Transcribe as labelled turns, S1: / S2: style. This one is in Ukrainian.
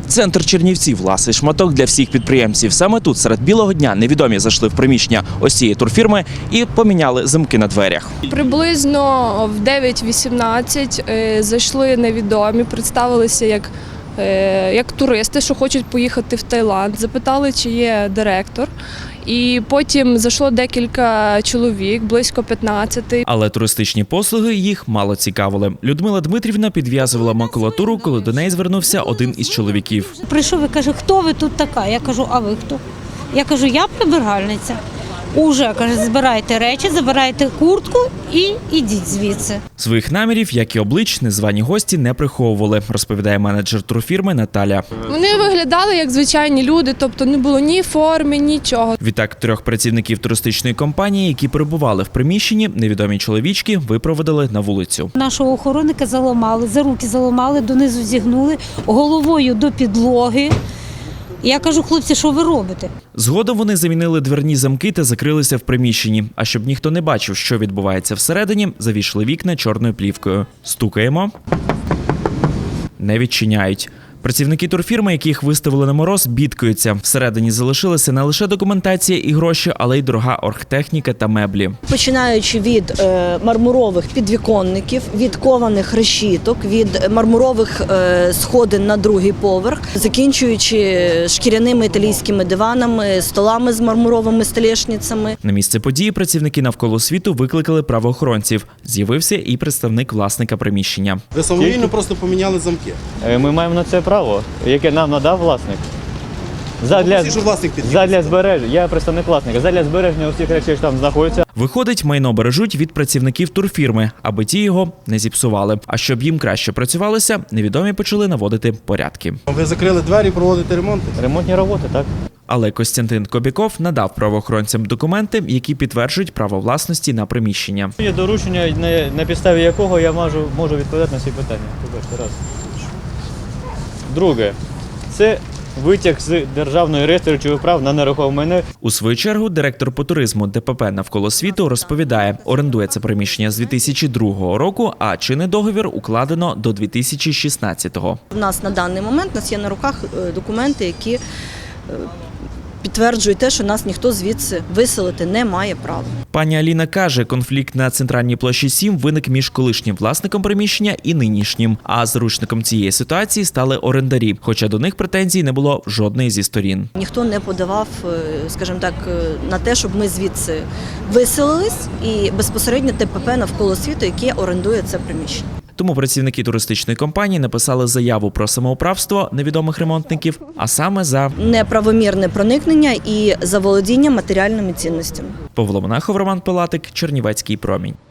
S1: Центр Чернівців – власний шматок для всіх підприємців. Саме тут, серед білого дня, невідомі зайшли в приміщення ось цієї турфірми і поміняли замки на дверях.
S2: Приблизно в 9:18 зайшли невідомі, представилися як туристи, що хочуть поїхати в Таїланд. Запитали, чи є директор. І потім зайшло декілька чоловік, близько 15.
S1: Але туристичні послуги їх мало цікавили. Людмила Дмитрівна підв'язувала макулатуру, коли до неї звернувся один із чоловіків.
S3: Прийшов і каже, хто ви тут така? Я кажу, а ви хто? Я кажу, я прибиральниця. Уже, каже, збирайте речі, забирайте куртку і ідіть звідси.
S1: Своїх намірів, як і облич, незвані гості не приховували, розповідає менеджер турфірми Наталя.
S2: Вони виглядали як звичайні люди, тобто не було ні форми, нічого.
S1: Відтак 3 працівників туристичної компанії, які перебували в приміщенні, невідомі чоловічки випроводили на вулицю.
S3: Нашого охоронника заламали, за руки заламали, донизу зігнули, головою до підлоги. Я кажу, хлопці, що ви робите?
S1: Згодом вони замінили дверні замки та закрилися в приміщенні. А щоб ніхто не бачив, що відбувається всередині, завішали вікна чорною плівкою. Стукаємо. Не відчиняють. Працівники турфірми, яких виставили на мороз, бідкаються. Всередині залишилася не лише документація і гроші, але й дорога оргтехніка та меблі.
S4: Починаючи від мармурових підвіконників, від кованих решіток, від мармурових сходин на другий поверх, закінчуючи шкіряними італійськими диванами, столами з мармуровими столешницями.
S1: На місце події працівники навколо світу викликали правоохоронців. З'явився і представник власника приміщення.
S5: Ви самовільно просто поміняли замки.
S6: Ми маємо на це право, яке нам надав власник. Задля збереження, я представник власника, задля збереження усіх речей, що там знаходяться.
S1: Виходить, майно бережуть від працівників турфірми, аби ті його не зіпсували. А щоб їм краще працювалося, невідомі почали наводити порядки.
S5: Ви закрили двері, проводите ремонти?
S6: Ремонтні роботи, так?
S1: Але Костянтин Кобяков надав правоохоронцям документи, які підтверджують право власності на приміщення.
S6: Є доручення, на підставі якого я можу відповідати на всі питання. Раз. Друге, це витяг з державної реєстру речових прав на нерухоме майно.
S1: У свою чергу директор по туризму ДПП «Навколо світу» розповідає, орендує це приміщення з 2002 року, а чинний договір укладено до 2016-го.
S4: У нас на даний момент є на руках документи, які підтверджують те, що нас ніхто звідси виселити не має права.
S1: Пані Аліна каже, конфлікт на Центральній площі 7 виник між колишнім власником приміщення і нинішнім. А заручником цієї ситуації стали орендарі, хоча до них претензій не було жодної зі сторін.
S4: Ніхто не подавав, скажімо так, на те, щоб ми звідси виселились, і безпосередньо ТПП «Навколо світу», яке орендує це приміщення.
S1: Тому працівники туристичної компанії написали заяву про самоуправство невідомих ремонтників, а саме за
S4: неправомірне проникнення і заволодіння матеріальними цінностями.
S1: Павло Монахов, Роман Пилатик, Чернівецький промінь.